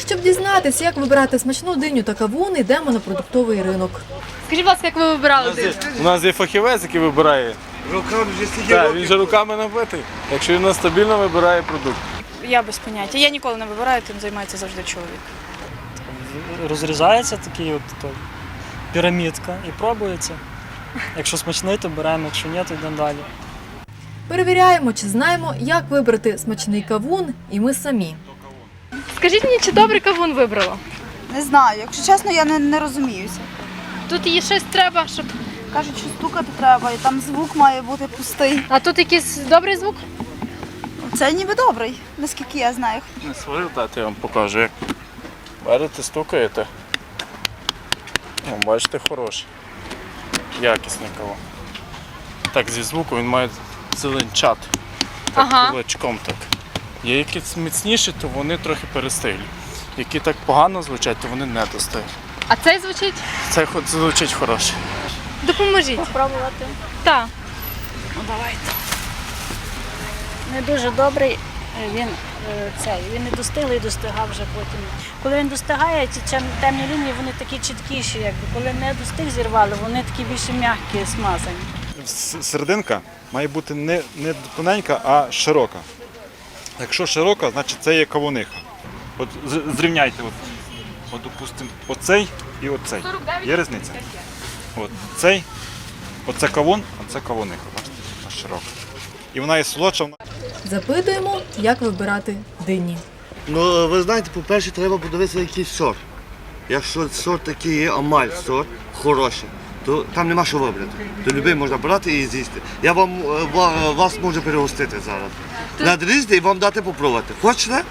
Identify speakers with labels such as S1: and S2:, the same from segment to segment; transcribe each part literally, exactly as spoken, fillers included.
S1: Щоб дізнатися, як вибирати смачну диню та кавун, йдемо на продуктовий ринок.
S2: Скажіть, будь ласка, як ви вибирали диню?
S3: У нас є фахівець, який вибирає.
S4: Руками вже стільки
S3: Так,
S4: років.
S3: він же руками набитий. Якщо він стабільно вибирає продукт.
S5: Я без поняття. Я ніколи не вибираю, тим займається завжди чоловік.
S6: Розрізається такий от то, пірамідка і пробується. Якщо смачний, то беремо, якщо ні, то йдемо далі.
S1: Перевіряємо, чи знаємо, як вибрати смачний кавун, і ми самі.
S2: Скажіть мені, чи добрий кавун вибрала?
S7: Не знаю, якщо чесно, я не, не розуміюся.
S2: Тут їй щось треба, щоб...
S7: Кажуть, що стукати треба, і там звук має бути пустий.
S2: А тут якийсь добрий звук?
S7: Це ніби добрий, наскільки я знаю.
S3: Не сварив, дати я вам покажу, як берете, стукаєте. О, бачите, хороший. Якісний кавун. Так, зі звуку він має зеленчати. Так,
S2: Ага.
S3: кулачком так. Є які міцніші, то вони трохи перестиглі. Які так погано звучать, то вони не достають.
S2: А цей звучить?
S3: Це хоч звучить хороше.
S2: Допоможіть.
S5: Пробувати?
S2: Так.
S5: Ну давайте. Не дуже добрий, він е, цей, він не достиглий, достигав вже потім. Коли він достигає, ці чем- темні лінії, вони такі чіткіші, якби. Коли не достиг зірвали, вони такі більше м'які, смазані.
S8: С- Серединка має бути не, не тоненька, а широка. Якщо широка, значить це є кавуниха. От з- зрівняйте, от, от допустимо, оцей і оцей. Є різниця? От цей, оце кавун, а це кавуниха. Бачите, вона широка. І вона є солодша. Вона...
S1: Запитуємо, як вибирати дині.
S4: Ну, ви знаєте, по-перше, треба подивитися, який сорт. Якщо сорт такий є, амаль сорт, хороший, то там нема що вибрати. То любий можна брати і з'їсти. Я вам, е, ва- вас можу перегостити зараз. Надрізати і вам дати попробувати. Хочете?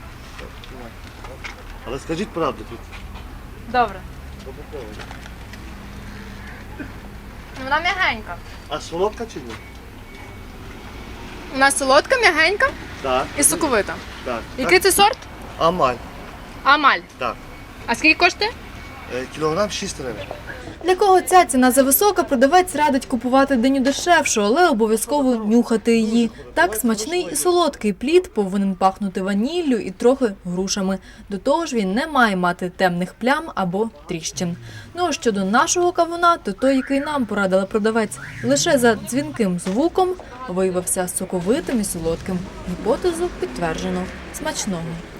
S4: Але скажіть правду тут.
S2: Добре. Вона м'ягенька.
S4: А солодка чи ні?
S2: Вона солодка, м'ягенька
S4: Так,
S2: і соковита.
S4: так.
S2: Який це сорт?
S4: Амаль,
S2: Амаль.
S4: так.
S2: А скільки коштує?
S4: Е, Кілограм шість гривень.
S1: Для кого ця ціна зависока, продавець радить купувати диню дешевшу, але обов'язково нюхати її. Так смачний і солодкий плід повинен пахнути ваніллю і трохи грушами. До того ж він не має мати темних плям або тріщин. Ну а щодо нашого кавуна, то той, який нам порадила продавець, лише за дзвінким звуком виявився соковитим і солодким. Гіпотезу підтверджено. Смачного!